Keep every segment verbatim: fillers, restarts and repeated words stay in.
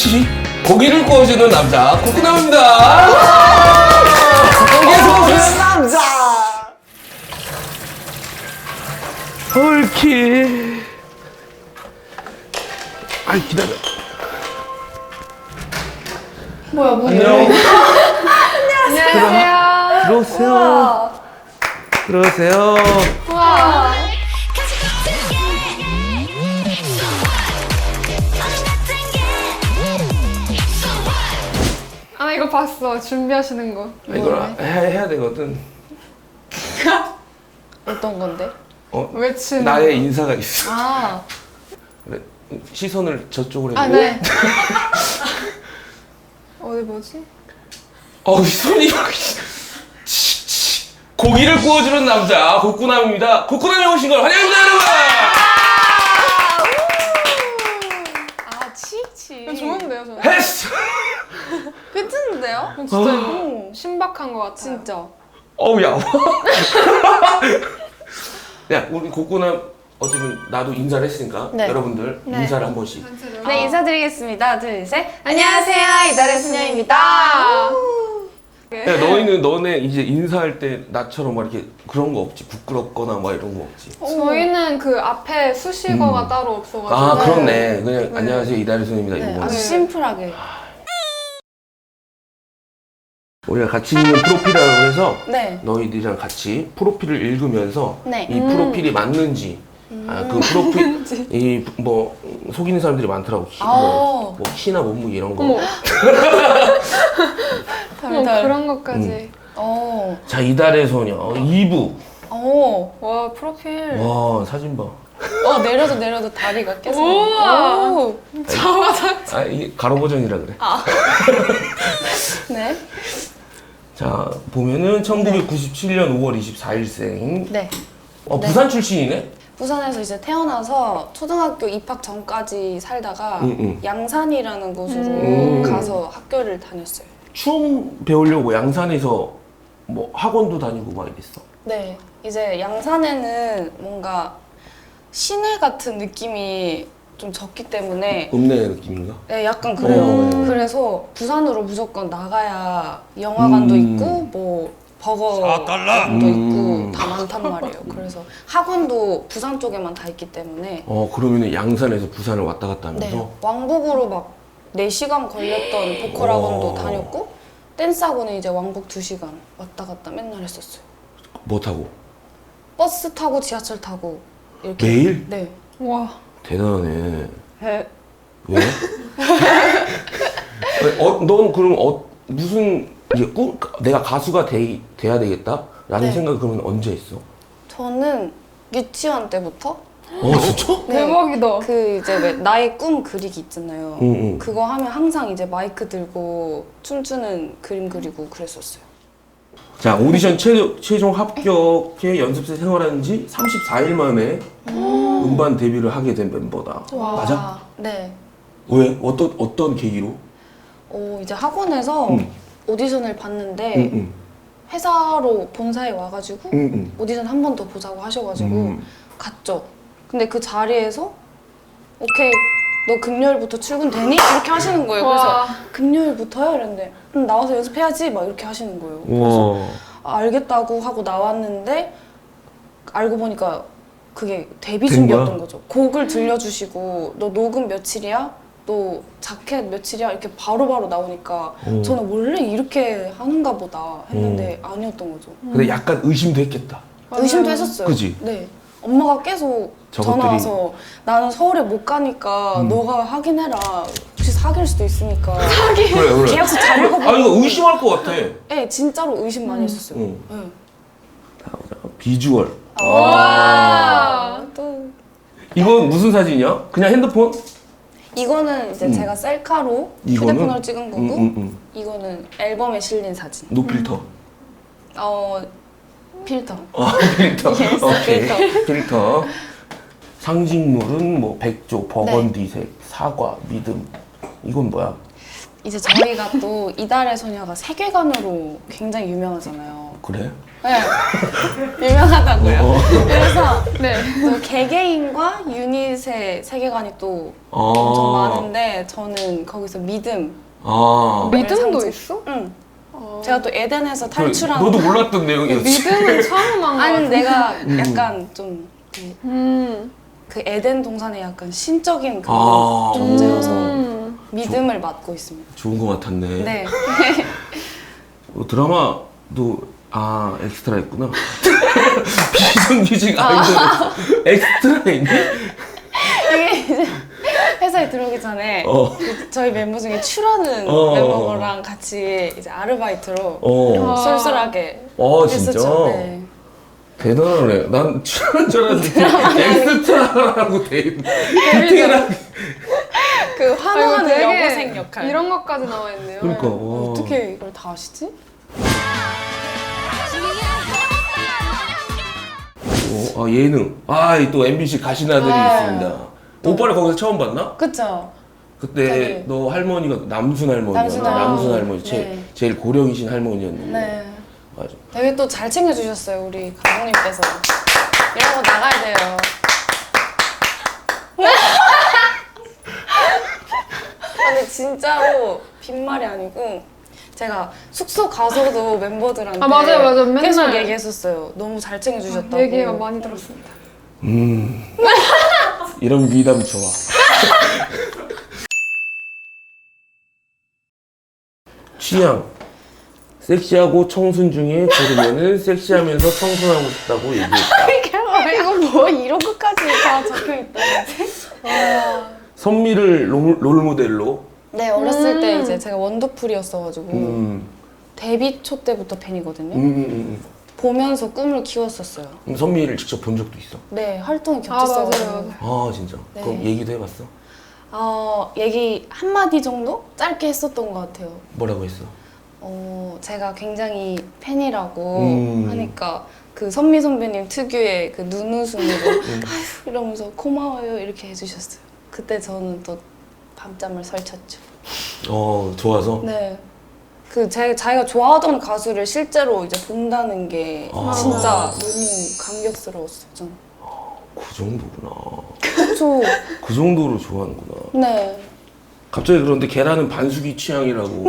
옳지. 고기를 구워주는 남자 코코남입니다. 고기를 구워주는 남자. 옳지. 아이 기다려. 뭐야 뭐야. 안녕. 안녕하세요. 들어오세요. 들어오세요. 와. 아 이거 봤어. 준비하시는 거. 아, 이걸 해, 해야 되거든. 어떤 건데? 어, 외치는 나의 인사가 있어. 아, 그래, 시선을 저쪽으로 해. 아 네. 어디 뭐지? 어우 손이 막. 치, 치. 고기를 구워주는 남자 코코남입니다. 코코남이 오신 걸 환영합니다, 여러분. 아 치치. 이거 좋은데요 저는? 했어. 괜찮은데요? 이거 진짜 어. 이거 신박한 것 같아요. 진짜. 어우 야. 야 우리 코코남 어쨌든 나도 인사를 했으니까 네. 여러분들 네. 인사를 한 번씩. 네, 인사드리겠습니다. 둘, 셋. 안녕하세요. 이달의 소녀입니다. 야 너희는 너네 이제 인사할 때 나처럼 막 이렇게 그런 거 없지? 부끄럽거나 막 이런 거 없지? 저희는 그 앞에 수식어가 음. 따로 없어가지고. 아 그렇네. 그냥 네. 안녕하세요 이달의 손입니다 네, 이거. 아주 네. 심플하게. 우리가 같이 있는 프로필이라고 해서 네. 너희들이랑 같이 프로필을 읽으면서 네. 이 프로필이 맞는지 아, 그 프로필 이 뭐 속이는 사람들이 많더라고. 키, 뭐, 아. 뭐 키나 몸무게 이런 거. 어머, 어머 덜덜. 그런 것까지. 어. 자 이달의 소녀 이 부. 어. 와 프로필. 와 사진 봐. 어, 내려도 내려도 다리가 계속. 우와. 오. 자화자. 아 이게 가로 버전이라 그래. 네. 자 보면은 천구백구십칠 년 오월 이십사일생. 네. 어 네. 부산 출신이네. 부산에서 이제 태어나서 초등학교 입학 전까지 살다가 응, 응. 양산이라는 곳으로 음. 가서 학교를 다녔어요. 춤 배우려고 양산에서 뭐 학원도 다니고 막 이랬어. 네, 이제 양산에는 뭔가 시내 같은 느낌이 좀 적기 때문에 읍내 느낌인가? 네, 약간 그래요. 음. 그래서 부산으로 무조건 나가야 영화관도 음. 있고 뭐 버거도 음. 있고 다 많단 말이에요. 그래서 학원도 부산 쪽에만 다 있기 때문에 어 그러면은 양산에서 부산을 왔다 갔다 하면서. 네, 왕복으로 막 네 시간 걸렸던 보컬 학원도 어. 다녔고 댄스 학원은 이제 왕복 두 시간 왔다 갔다 맨날 했었어요. 뭐 타고? 버스 타고 지하철 타고 이렇게. 매일? 네. 와. 대단하네. 네. 왜? 어, 넌 그럼 어, 무슨 이제 꿈 내가 가수가 돼, 돼야 되겠다? 라는 네. 생각을 그러면 언제 했어? 저는 유치원 때부터 어 진짜? 네. 대박이다. 그 이제 왜 나의 꿈 그리기 있잖아요. 응, 응. 그거 하면 항상 이제 마이크 들고 춤추는 그림 그리고 그랬었어요. 자 오디션 최, 최종 합격해 연습생 생활한 지 삼십사 일 만에 음반 데뷔를 하게 된 멤버다. 와. 맞아? 아, 네. 왜? 어떤 어떤 계기로? 어, 이제 학원에서 응. 오디션을 봤는데 응, 응, 회사로 본사에 와가지고 응, 응. 오디션 한 번 더 보자고 하셔가지고 음. 갔죠. 근데 그 자리에서 오케이 너 금요일부터 출근 되니? 이렇게 하시는 거예요. 그래서 와. 금요일부터요? 이랬는데 응, 나와서 연습해야지 막 이렇게 하시는 거예요. 그래서 와. 아, 알겠다고 하고 나왔는데 알고 보니까 그게 데뷔 된 준비였던 거야? 거죠. 곡을 들려주시고 너 녹음 며칠이야? 너 자켓 며칠이야? 이렇게 바로바로 나오니까 오. 저는 원래 이렇게 하는가 보다 했는데 아니었던 거죠. 근데 약간 의심도 했겠다. 맞아요. 의심도 했었어요. 그지? 네. 엄마가 계속 저것들이- 전화 와서 나는 서울에 못 가니까 음. 너가 확인해라. 혹시 사귈 수도 있으니까. 그래 그래. 계약서 잘 읽어보고. 아 이거 의심할 것 같아. 네, 진짜로 의심 많이 했었어요. 응. 네. 비주얼. 와. 또 이건 무슨 사진이야? 그냥 핸드폰? 이거는 이제 음. 제가 셀카로 이거는? 휴대폰으로 찍은 거고 응, 응, 응. 이거는 앨범에 실린 사진. 노필터. 어 필터. 어, 필터. Yes, 오케이. 필터. 필터. 상징물은 뭐 백조, 버건디색, 사과, 믿음. 이건 뭐야? 이제 저희가 또 이달의 소녀가 세계관으로 굉장히 유명하잖아요. 그래? 네. 유명하다고요. 어. 그래서 네. 또 개개인과 유닛의 세계관이 또 어. 엄청 많은데 저는 거기서 믿음. 아. 믿음도 상징. 있어? 응. 어. 제가 또 에덴에서 탈출한. 너도 몰랐던 내용이었지. 믿음은 처음 한거 아니 같은데. 내가 약간 좀 그 음. 그 에덴 동산의 약간 신적인 그런 아. 존재여서 음. 믿음을 맡고 있습니다. 좋은 거 같았네. 네. 어, 드라마도 아 엑스트라 했구나. 비정규직 아이돌 엑스트라 있니? 이게 이제 회사에 들어오기 전에 어. 그 저희 멤버 중에 추라는 어. 멤버랑 같이 이제 아르바이트로 어. 아. 쏠쏠하게 어 진짜. 했었죠. 네. 대단하네. 난 출연한 줄 알았는데 엑스트라라고 돼 있네. 디테일하게. 그 아, 이거 환호하는 되게 여고생 역할. 이런 것까지 나와 있네요. 그러니까 와. 어떻게 이걸 다 아시지? 어, 아 예능. 아또 엠비씨 가신 아들이 아. 있습니다. 오빠를 거기서 처음 봤나? 그쵸? 그때 네. 너 할머니가 남순 할머니였나? 남순 남순 할머니. 할머니 제, 네. 제일 고령이신 할머니였는데. 네. 맞아. 되게 또 잘 챙겨주셨어요, 우리 감독님께서. 이런 거 나가야 돼요. 근데 진짜로 빈말이 아니고 제가 숙소 가서도 멤버들한테 아, 맞아요, 맞아요. 맨날. 계속 얘기했었어요. 너무 잘 챙겨주셨다고. 얘기가 많이 들었습니다. 음. 이런 미담 좋아. 취향. 섹시하고 청순 중에 고르면은 섹시하면서 청순하고 싶다고 얘기했다. 이거 뭐 이런 것까지 다 적혀있다. 선미를 롤, 롤 모델로. 네, 어렸을 음. 때 이제 제가 원더풀이었어가지고 음. 데뷔 초 때부터 팬이거든요. 음, 음, 음. 보면서 꿈을 키웠었어요. 음. 선미를 직접 본 적도 있어. 네, 활동이 아, 맞아요, 겹쳤어가지고. 맞아요. 아 진짜. 네. 그럼 얘기도 해봤어? 어, 얘기 한마디 정도? 짧게 했었던 것 같아요. 뭐라고 했어? 어, 제가 굉장히 팬이라고 음. 하니까 그 선미 선배님 특유의 그 눈웃음으로 음. 아휴 이러면서 고마워요 이렇게 해주셨어요. 그때 저는 또 밤잠을 설쳤죠. 어 좋아서. 네. 그 제, 자기가 좋아하던 가수를 실제로 이제 본다는 게 아. 진짜 너무 감격스러웠어요. 저는. 그 정도구나. 그쵸. 그 정도로 좋아하는구나. 네. 갑자기 그런데 계란은 반숙이 취향이라고.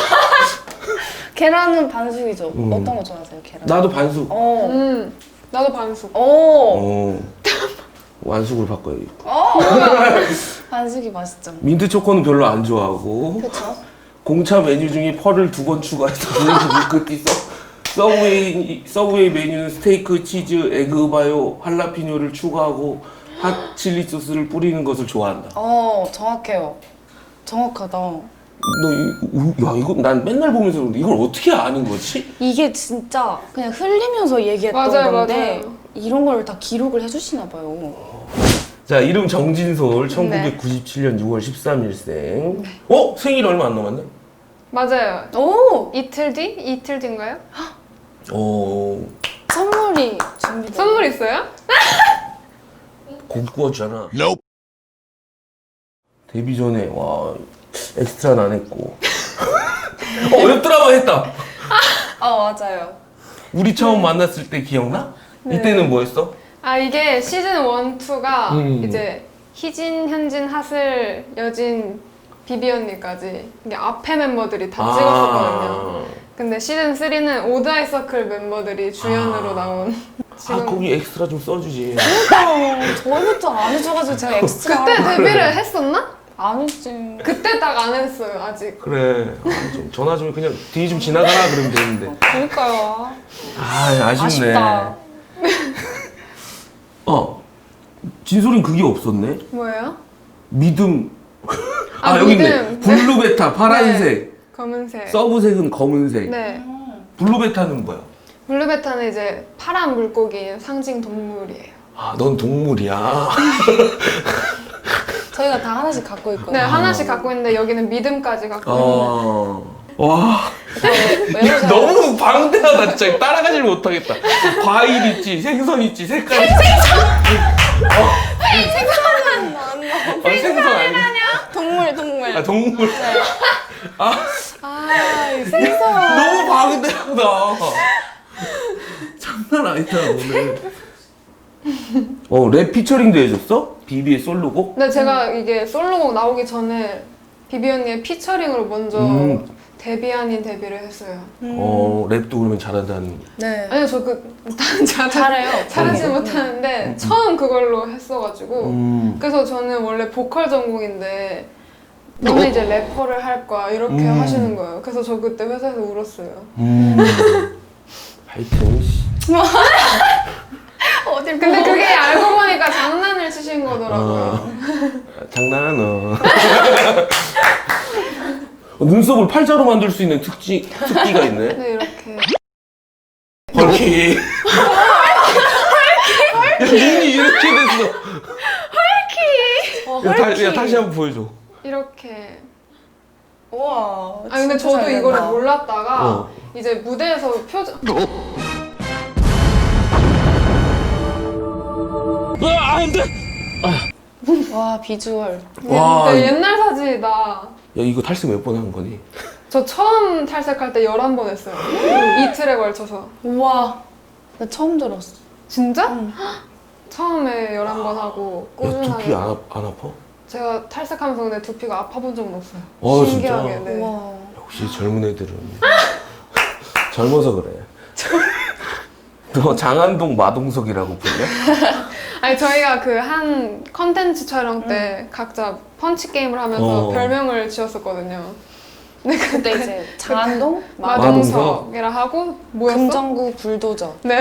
계란은 반숙이죠. 음. 어떤 거 좋아하세요, 계란? 나도 반숙. 어. 음. 나도 반숙. 오. 어. 완숙으로 바꿔야겠고. 어. 반숙이 맛있죠. 민트 초코는 별로 안 좋아하고. 그쵸? 공차 메뉴 중에 펄을 두 번 추가해서 블랙 밀크티 서 서브웨이 서브웨이 메뉴는 스테이크, 치즈, 에그 바요, 할라피뇨를 추가하고 핫 칠리 소스를 뿌리는 것을 좋아한다. 어, 정확해요. 정확하다. 너 이, 야 이거 난 맨날 보면서 그런데 이걸 어떻게 아는 거지? 이게 진짜 그냥 흘리면서 얘기했던 맞아요, 건데 맞아요. 이런 걸 다 기록을 해주시나 봐요. 자 이름 정진솔 천구백구십칠 년 유월 십삼일생. 어 생일 얼마 안 남았네. 맞아요. 오! 이틀 뒤? 이틀 뒤인가요? 어 선물이 준비돼. 선물 있어요? 고기 구워주잖아. 데뷔 전에 와 엑스트라는 안 했고. 어, 웹 드라마 했다. 어, 맞아요. 우리 처음 만났을 때 기억나? 네. 이때는 뭐였어? 아, 이게 시즌 일, 이가 음. 이제 희진, 현진, 하슬, 여진, 비비 언니까지 이게 앞에 멤버들이 다 찍었었거든요. 근데 시즌 삼는 오드아이 서클 멤버들이 주연으로 아. 나온 아 거기 엑스트라 좀 써주지. 그러니까 저희부터 안 해줘가지고 제가 엑스트라 그때 데뷔를 했었나? 안 했지. 그때 딱 안 했어요, 아직. 그래. 아, 좀 전화 좀 그냥 뒤 좀 지나가라 그러면 되는데. 그러니까요. 아 아쉽네. 아쉽다. 어 진솔이는 그게 없었네. 뭐예요? 믿음. 아, 아, 여기 있네. 믿음. 블루 베타 파란색. 검은색. 서브색은 검은색. 네. 블루 베타는 뭐야? 블루베타는 이제 파란 물고기의 상징 동물이에요. 아 넌 동물이야. 저희가 다 하나씩 갖고 있거든요. 네, 하나씩 갖고 있는데 여기는 믿음까지 갖고 있는. 어. 와. 외우자. 너무 방대하다 진짜 따라가질 못하겠다. 과일 있지, 생선 있지, 색깔 있지. 어. 생선은 안 나. 아, 생선 아니야? 동물, 동물. 아 동물. 아 아, 이 생선. 너무 방대하다. 장난 아니다 오늘. 어 랩 피처링도 해줬어? 비비의 솔로곡? 근데 제가 이게 솔로곡 나오기 전에 비비 언니의 피처링으로 먼저 음. 데뷔 아닌 데뷔를 했어요. 어 랩도 그러면 잘한다는. 네. 아니요, 저그 잘, 잘해요. 잘하지 음. 못하는데 처음 그걸로 했어가지고 음. 그래서 저는 원래 보컬 전공인데 너는 이제 래퍼를 할 거야 이렇게 음. 하시는 거예요. 그래서 저 그때 회사에서 울었어요. 음. 하여튼 씨. 어딜 근데 그게 알고 보니까 장난을 치신 거더라고요. 어. 장난 어. 눈썹을 팔자로 만들 수 있는 특지 특기가 있네. 네, 이렇게. 헐키. 야, 눈이 이렇게 됐어. 어, 야, 다, 헐키. 야 다시 한번 보여줘. 이렇게. 우와. 아 근데 진짜 저도 잘 이거를 된다. 몰랐다가 어. 이제 무대에서 표정 아, 안 돼. 와 비주얼. 와. 네, 옛날 사진이다. 야, 이거 탈색 몇 번 한 거니? 저 처음 탈색할 때 열한 번 했어요. 이틀에 걸쳐서. 우와. 나 처음 들었어. 진짜? 응. 처음에 열한 번 하고 야, 두피 꾸준하게. 안, 아, 안 아파? 제가 탈색하면서 근데 두피가 아파본 적은 없어요. 어, 신기하게. 진짜? 네. 우와. 역시 젊은 애들은 젊어서 그래. 너 장안동 마동석이라고 불려? 아니 저희가 그 한 컨텐츠 촬영 때 각자 펀치 게임을 하면서 어. 별명을 지었었거든요. 그때 이제 장안동 마동석이라 하고 뭐였어? 금정구 불도저. 네.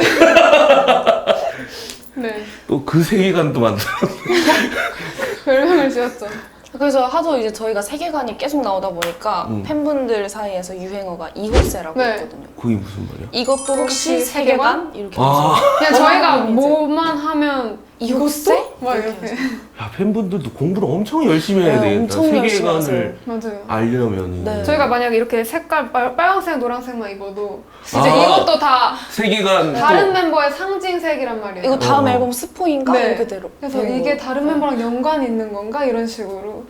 네. 또 그 세계관도 만들어. 별명을 지었죠. 그래서 하도 이제 저희가 세계관이 계속 나오다 보니까 음. 팬분들 사이에서 유행어가 이호세라고 네. 있거든요. 그게 무슨 말이야? 이것도 혹시 혹시 세계관? 이렇게 아, 그냥 저희가 뭐만 하면 이곳세? 막 이렇게 이렇게. 야 팬분들도 공부를 엄청 열심히 해야 네, 되겠다. 엄청 열심히 세계관을 맞아요. 알려면 네. 저희가 만약에 이렇게 색깔 빨, 빨간색, 노란색만 입어도 이제 아. 이것도 다 세계관 다른 또 멤버의 상징색이란 말이에요. 이거 다음 어. 앨범 스포인가? 네. 이렇게 대로. 그래서 되는 이게 거예요. 다른 멤버랑 연관이 있는 건가? 이런 식으로.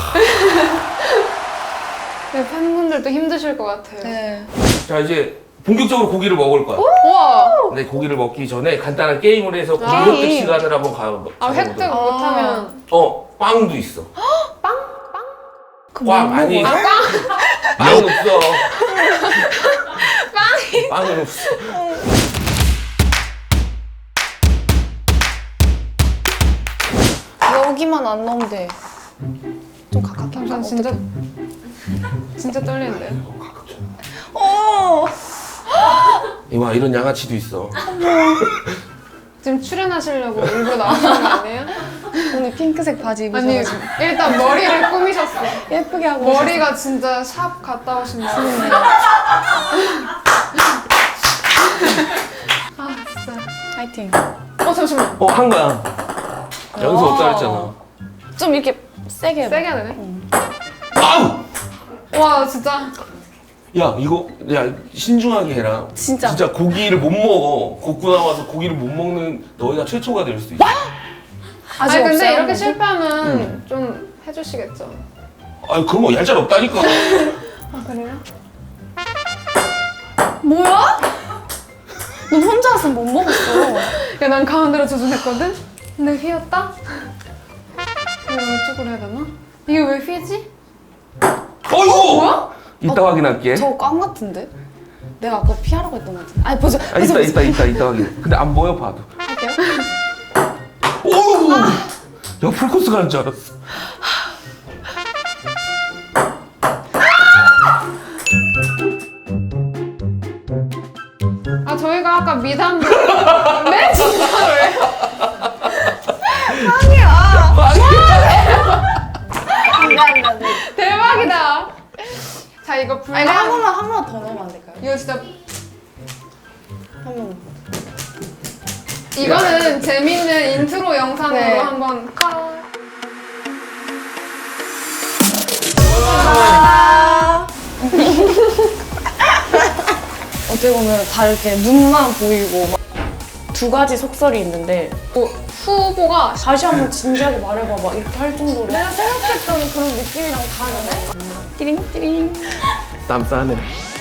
네, 팬분들도 힘드실 것 같아요. 네. 자 이제 본격적으로 고기를 먹을 거야. 우와! 근데 고기를 먹기 전에 간단한 게임을 해서 고기 아. 획득 시간을 한번 가. 아, 획득 가보도록. 못하면. 어 빵도 있어. 그 꽝 뭐 아니. 먹어요? 빵은 없어. 빵이. 빵은 없어. 여기만 안 넣으면 돼. 좀 가깝게 잠깐 할까? 진짜 어떡해? 진짜 떨리는데. 어. 이와 이런 양아치도 있어. 지금 출연하시려고 일부러 나오시는 거 아니에요? 오늘 핑크색 바지 아니 입으셔가지고 일단 머리를 꾸미셨어. 예쁘게 하고 머리가 진짜 샵 갔다 오신 거 같은데. 아 진짜. 파이팅. 어 잠시만. 어 한 거야. 연습 없다 했잖아. 좀 이렇게 세게 해봐. 세게 해야 되네. 아우! 와 진짜. 야 이거 야 신중하게 해라. 진짜. 진짜 고기를 못 먹어. 걷고 나와서 고기를 못 먹는 너희가 최초가 될 수도 있어. 아직 아니 근데 없어요? 이렇게 실패하면 음. 좀 해주시겠죠. 아니 그런 거 얄짤 없다니까. 아 그래요? 뭐야? 너 혼자 왔으면 못 먹었어. 야 난 가운데로 조준했거든. 근데 휘었다. 이거 이쪽으로 해야 되나? 이게 왜 휘지? 어이구! 뭐야? 이따 확인할게. 저거 꽝 같은데? 내가 아까 피하라고 했던 것 같은데. 아니 보자. 아, 이따 이따 이따 이따 확인. 근데 안 보여 봐도. 할게요. 오우! 야 풀코스 가는 줄 알았어. 아 저희가 아까 미담 네 진짜로요? 안돼 안돼 안돼. 대박이다. 자 이거 아 분량 이거 한 번만 한 번만 더 넣으면 안 될까요? 이거 진짜 한 번. 이거는 재밌는 인트로 영상으로 네. 한번 컷. 어떻게 보면 다 이렇게 눈만 보이고 막 두 가지 속설이 있는데 뭐, 후보가 다시 한번 진지하게 말해봐봐 이렇게 할 정도로 내가 생각했던 그런 느낌이랑 다르네. 띠링 띠링 땀 싸네.